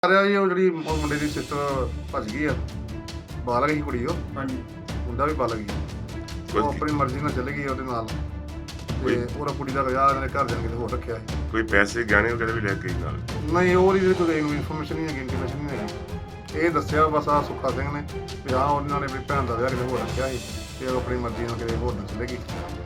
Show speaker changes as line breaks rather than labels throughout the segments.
ਆ ਰਿਹਾ ਜੀ ਉਹ ਜਿਹੜੀ ਮੁੰਡੇ ਦੀ ਸਿਸਟਰ ਭੱਜ ਗਈ ਆ, ਬਾਲਗ ਹੀ ਕੁੜੀ ਉਹ।
ਹਾਂਜੀ,
ਮੁੰਡਾ ਵੀ ਬਾਲਗ ਹੀ, ਉਹ ਆਪਣੀ ਮਰਜ਼ੀ ਨਾਲ ਚਲੇ ਗਈ ਉਹਦੇ ਨਾਲ। ਤੇ ਉਹਦਾ ਕੁੜੀ ਦਾ ਵਿਆਹ ਇਹਨਾਂ ਨੇ ਘਰ ਜਾਣ ਕੇ ਹੋਰ ਰੱਖਿਆ ਸੀ।
ਕੋਈ ਪੈਸੇ ਗਹਿਣੇ ਵਗੈਰਾ ਵੀ ਲੈ ਕੇ ਗਈ ਨਾਲ?
ਨਹੀਂ, ਉਹਦੀ ਕੋਈ ਇਨਫੋਰਮੇਸ਼ਨ ਨਹੀਂ ਹੈਗੀ, ਇੰਟੀਮੇਸ਼ਨ ਨਹੀਂ ਹੈਗੀ। ਇਹ ਦੱਸਿਆ ਬਸ ਆ ਸੁੱਖਾ ਸਿੰਘ ਨੇ ਵੀ ਹਾਂ ਉਹਨਾਂ ਨੇ ਆਪਣੀ ਭੈਣ ਦਾ ਵਿਆਹ ਕਿਤੇ ਹੋਰ ਰੱਖਿਆ ਸੀ ਤੇ ਉਹ ਆਪਣੀ ਮਰਜ਼ੀ ਨਾਲ ਕਿਤੇ ਹੋਰ ਨਾਲ ਚਲੇ ਗਈ।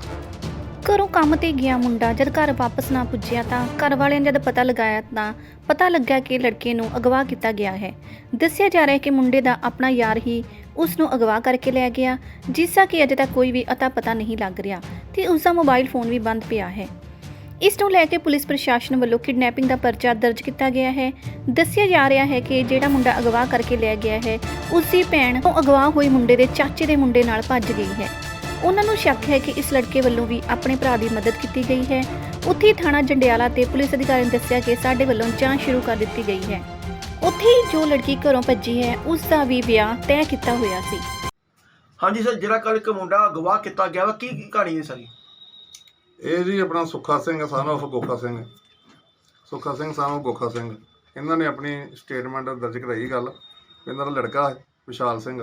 ਘਰੋਂ ਕੰਮ ਤੇ ਗਿਆ ਮੁੰਡਾ ਜਦ ਘਰ ਵਾਪਸ ਨਾ ਪੁੱਜਿਆ ਤਾਂ ਘਰ ਵਾਲਿਆਂ ਨੇ ਜਦ ਪਤਾ ਲਗਾਇਆ ਤਾਂ ਪਤਾ ਲੱਗਾ ਕਿ ਲੜਕੇ ਨੂੰ ਅਗਵਾ ਕੀਤਾ ਗਿਆ ਹੈ। ਦੱਸਿਆ ਜਾ ਰਿਹਾ ਹੈ ਕਿ ਮੁੰਡੇ ਦਾ ਆਪਣਾ ਯਾਰ ਹੀ ਉਸ ਨੂੰ ਅਗਵਾ ਕਰਕੇ ਲੈ ਗਿਆ, ਜਿਸ ਦਾ ਕਿ ਅਜੇ ਤੱਕ ਕੋਈ ਵੀ ਅਤਾ ਪਤਾ ਨਹੀਂ ਲੱਗ ਰਿਹਾ ਤੇ ਉਸ ਦਾ ਮੋਬਾਈਲ ਫੋਨ ਵੀ ਬੰਦ ਪਿਆ ਹੈ। ਇਸ ਨੂੰ ਲੈ ਕੇ ਪੁਲਿਸ ਪ੍ਰਸ਼ਾਸਨ ਵੱਲੋਂ ਕਿਡਨੈਪਿੰਗ ਦਾ ਪਰਚਾ ਦਰਜ ਕੀਤਾ ਗਿਆ ਹੈ। ਦੱਸਿਆ ਜਾ ਰਿਹਾ ਹੈ ਕਿ ਜਿਹੜਾ ਮੁੰਡਾ ਅਗਵਾ ਕਰਕੇ ਲੈ ਗਿਆ ਹੈ ਉਸ ਦੀ ਭੈਣ ਉਹ ਅਗਵਾ ਹੋਏ ਮੁੰਡੇ ਦੇ ਚਾਚੇ ਦੇ ਮੁੰਡੇ ਨਾਲ ਭੱਜ ਗਈ ਹੈ। ਉਹਨਾਂ ਨੂੰ ਸ਼ੱਕ ਹੈ ਕਿ ਇਸ ਲੜਕੇ ਵੱਲੋਂ ਵੀ ਆਪਣੇ ਭਰਾ ਦੀ ਮਦਦ ਕੀਤੀ ਗਈ ਹੈ। ਉੱਥੇ ਥਾਣਾ ਜੰਡਿਆਲਾ ਤੇ ਪੁਲਿਸ ਅਧਿਕਾਰੀ ਨੇ ਦੱਸਿਆ ਕਿ ਸਾਡੇ ਵੱਲੋਂ ਜਾਂਚ ਸ਼ੁਰੂ ਕਰ ਦਿੱਤੀ ਗਈ ਹੈ। ਉੱਥੇ ਹੀ ਜੋ ਲੜਕੀ ਘਰੋਂ ਭੱਜੀ ਹੈ ਉਸ ਦਾ ਵੀ ਵਿਆਹ ਤੈਅ ਕੀਤਾ ਹੋਇਆ ਸੀ।
ਹਾਂਜੀ ਸਰ, ਜਿਹੜਾ ਕੱਲ ਇੱਕ ਮੁੰਡਾ ਅਗਵਾ ਕੀਤਾ ਗਿਆ ਵਾ, ਕੀ ਕਹਾਣੀ ਹੈ ਸਾਰੀ?
ਇਹ ਜੀ ਆਪਣਾ ਸੁੱਖਾ Singh son of ਗੋਖਾ Singh, Sukha Singh son of ਗੋਖਾ Singh, ਇਹਨਾਂ ਨੇ ਆਪਣੀ ਸਟੇਟਮੈਂਟ ਦਰਜ ਕਰਾਈ ਗੱਲ। ਇਹਨਾਂ ਦਾ ਲੜਕਾ ਹੈ ਵਿਸ਼ਾਲ ਸਿੰਘ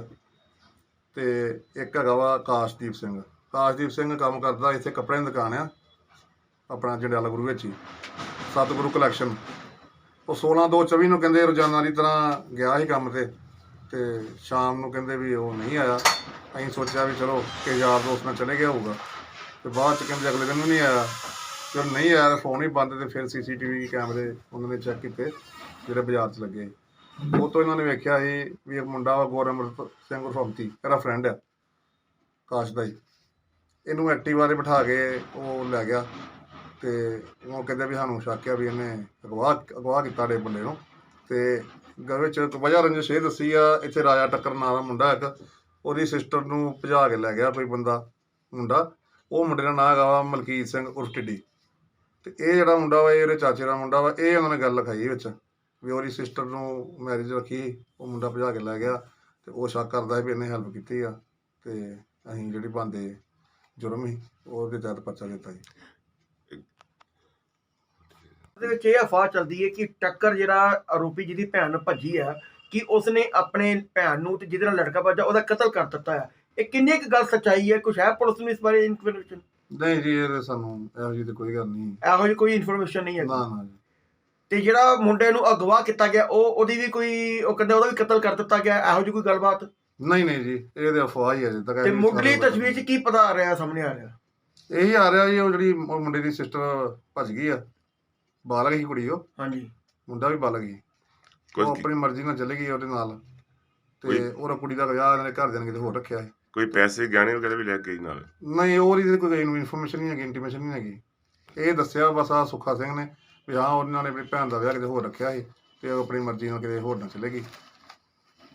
ਤੇ ਇੱਕ ਹੈਗਾ ਵਾ ਕਾਸ਼ਦੀਪ ਸਿੰਘ। ਕਾਸ਼ਦੀਪ ਸਿੰਘ ਕੰਮ ਕਰਦਾ ਇੱਥੇ ਕੱਪੜਿਆਂ ਦੀ ਦੁਕਾਨ ਆ ਆਪਣਾ ਜੰਡਿਆਲਾ ਗੁਰੂ ਵਿੱਚ ਹੀ, ਸਤਿਗੁਰੂ ਕਲੈਕਸ਼ਨ। ਉਹ 16/2/24 ਨੂੰ ਕਹਿੰਦੇ ਰੋਜ਼ਾਨਾ ਦੀ ਤਰ੍ਹਾਂ ਗਿਆ ਸੀ ਕੰਮ ਤੇ ਸ਼ਾਮ ਨੂੰ ਕਹਿੰਦੇ ਵੀ ਉਹ ਨਹੀਂ ਆਇਆ। ਅਸੀਂ ਸੋਚਿਆ ਵੀ ਚਲੋ ਕਿ ਯਾਰ ਦੋਸਤ ਨਾਲ ਚਲੇ ਗਿਆ ਹੋਊਗਾ, ਤੇ ਬਾਅਦ 'ਚ ਕਹਿੰਦੇ ਅਗਲੇ ਦਿਨ ਵੀ ਨਹੀਂ ਆਇਆ। ਜਦੋਂ ਨਹੀਂ ਆਇਆ ਫੋਨ ਹੀ ਬੰਦ, ਤੇ ਫਿਰ CCTV ਕੈਮਰੇ ਉਹਨਾਂ ਨੇ ਚੈੱਕ ਕੀਤੇ ਜਿਹੜੇ ਬਾਜ਼ਾਰ 'ਚ ਲੱਗੇ। ਉਹ ਤੋਂ ਇਹਨਾਂ ਨੇ ਵੇਖਿਆ ਸੀ ਵੀ ਇੱਕ ਮੁੰਡਾ ਵਾ ਗੁਰਮਤ ਸਿੰਘ ਉਰਫੀ, ਮੇਰਾ ਫਰੈਂਡ ਆ ਕਾਸ਼ ਦਾ ਹੀ। ਇਹਨੂੰ ਐਕਟਿਵਾ 'ਤੇ ਬਿਠਾ ਕੇ ਉਹ ਲੈ ਗਿਆ ਤੇ ਉਹ ਕਹਿੰਦੇ ਵੀ ਸਾਨੂੰ ਸ਼ੱਕ ਆ ਵੀ ਇਹਨੇ ਅਗਵਾ ਕੀਤਾ ਡੇ ਬੰਦੇ ਨੂੰ। ਤੇ ਘਰ ਵਿੱਚ ਵਜ੍ਹਾ ਰੰਜਿਸ਼ ਇਹ ਦੱਸੀ ਆ, ਇੱਥੇ ਰਾਜਾ ਟੱਕਰ ਨਾਂ ਦਾ ਮੁੰਡਾ ਇੱਕ, ਉਹਦੀ ਸਿਸਟਰ ਨੂੰ ਭਜਾ ਕੇ ਲੈ ਗਿਆ ਕੋਈ ਮੁੰਡਾ। ਉਹ ਮੁੰਡੇ ਦਾ ਨਾਂ ਹੈਗਾ ਵਾ ਮਲਕੀਤ ਸਿੰਘ ਉਰਫ ਟਿੱਡੀ। ਤੇ ਇਹ ਜਿਹੜਾ ਮੁੰਡਾ ਵਾ ਇਹ ਇਹਦੇ ਚਾਚੇ ਦਾ ਮੁੰਡਾ ਵਾ। ਇਹ ਉਹਨਾਂ ਨੇ ਗੱਲ ਲਿਖਾਈ ਵਿੱਚ ਵੀ ਉਹਦੀ ਸਿਸਟਰ ਨੂੰ ਮੈਰਿਜ ਰੱਖੀ, ਉਹ ਮੁੰਡਾ ਭਜਾ ਕੇ ਲੈ ਗਿਆ ਤੇ ਉਹ ਸ਼ੱਕ ਕਰਦਾ ਵੀ ਇਹਨੇ ਹੈਲਪ ਕੀਤੀ ਆ। ਤੇ ਅਸੀਂ ਜਿਹੜੀ ਬਣਦੇ ਜੁਰਮ ਸੀ ਉਹਦੇ ਤਹਿਤ ਪਰਚਾ ਦਿੱਤਾ ਜੀ।
ਉਹਦੇ ਵਿੱਚ ਇਹ ਅਫਵਾਹ ਚੱਲਦੀ ਹੈ ਕਿ ਟੱਕਰ ਜਿਹੜਾ ਆਰੋਪੀ ਜਿਹਦੀ ਭੈਣ ਭੱਜੀ ਹੈ ਕਿ ਉਸਨੇ ਆਪਣੇ ਭੈਣ ਨੂੰ ਤੇ ਜਿਹਦੇ ਨਾਲ ਲੜਕਾ ਭੱਜਾ ਉਹਦਾ ਕਤਲ ਕਰ ਦਿੱਤਾ ਹੈ। ਇਹ ਕਿੰਨੀ ਕੁ ਗੱਲ ਸੱਚਾਈ ਹੈ? ਕੁਛ ਹੈ ਪੁਲਿਸ ਨੂੰ ਇਸ ਬਾਰੇ ਇਨਫੋਰਮੇਸ਼ਨ?
ਨਹੀਂ ਜੀ, ਇਹ ਸਾਨੂੰ ਇਹੋ ਜਿਹੀ ਤਾਂ ਕੋਈ ਗੱਲ ਨਹੀਂ,
ਇਹੋ ਜਿਹੀ ਕੋਈ ਇਨਫੋਰਮੇਸ਼ਨ ਨਹੀਂ ਹੈ।
ਨਾ ਜੀ।
ਤੇ ਜਿਹੜਾ ਮੁੰਡੇ ਨੂੰ ਅਗਵਾ ਕੀਤਾ ਗਿਆ ਉਹਦੀ ਵੀ ਕੋਈ, ਉਹ ਕਹਿੰਦੇ ਉਹਦਾ ਵੀ ਕਤਲ ਕਰ ਦਿੱਤਾ ਗਿਆ, ਇਹੋ ਜਿਹੀ ਕੋਈ ਗੱਲਬਾਤ?
ਨਹੀਂ ਜੀ, ਇਹ ਤਾਂ ਅਫਵਾਹ ਹੀ ਹੈ ਅਜੇ ਤੱਕ।
ਤੇ ਮੁੱਢਲੀ ਤਸਵੀਰ 'ਚ ਕੀ ਪਤਾ ਆ ਰਿਹਾ, ਸਾਹਮਣੇ ਆ ਰਿਹਾ?
ਇਹੀ ਆ ਰਿਹਾ ਜੀ ਉਹ ਜਿਹੜੀ ਮੁੰਡੇ ਦੀ ਸਿਸਟਰ ਭੱਜ ਗਈ ਆ, ਬਾਲਗ ਹੀ ਕੁੜੀ ਉਹ।
ਹਾਂਜੀ,
ਮੁੰਡਾ ਵੀ ਬਾਲਗ ਹੀ, ਉਹ ਆਪਣੀ ਮਰਜ਼ੀ ਨਾਲ ਚਲੇ ਗਈ ਉਹਦੇ ਨਾਲ। ਤੇ ਉਹਦਾ ਕੁੜੀ ਦਾ ਵਿਆਹ ਇਹਨਾਂ ਨੇ ਘਰ ਜਾਣ ਕੇ ਹੋਰ ਰੱਖਿਆ ਸੀ।
ਕੋਈ ਪੈਸੇ ਗਹਿਣੇ ਵਗੈਰਾ ਵੀ ਲੈ ਕੇ ਗਈ ਨਾਲ?
ਨਹੀਂ, ਉਹਦੀ ਕੋਈ ਇਨਫੋਰਮੇਸ਼ਨ ਨਹੀਂ ਹੈਗੀ, ਇੰਟੀਮੇਸ਼ਨ ਨਹੀਂ ਹੈਗੀ। ਇਹ ਦੱਸਿਆ ਬਸ ਆ ਸੁੱਖਾ ਸਿੰਘ ਨੇ ਵੀ ਹਾਂ ਉਹਨਾਂ ਨੇ ਆਪਣੀ ਭੈਣ ਦਾ ਵਿਆਹ ਕਿਤੇ ਹੋਰ ਰੱਖਿਆ ਸੀ ਤੇ ਉਹ ਆਪਣੀ ਮਰਜ਼ੀ ਨਾਲ ਕਿਤੇ ਹੋਰ ਨਾਲ ਚਲੇ ਗਈ।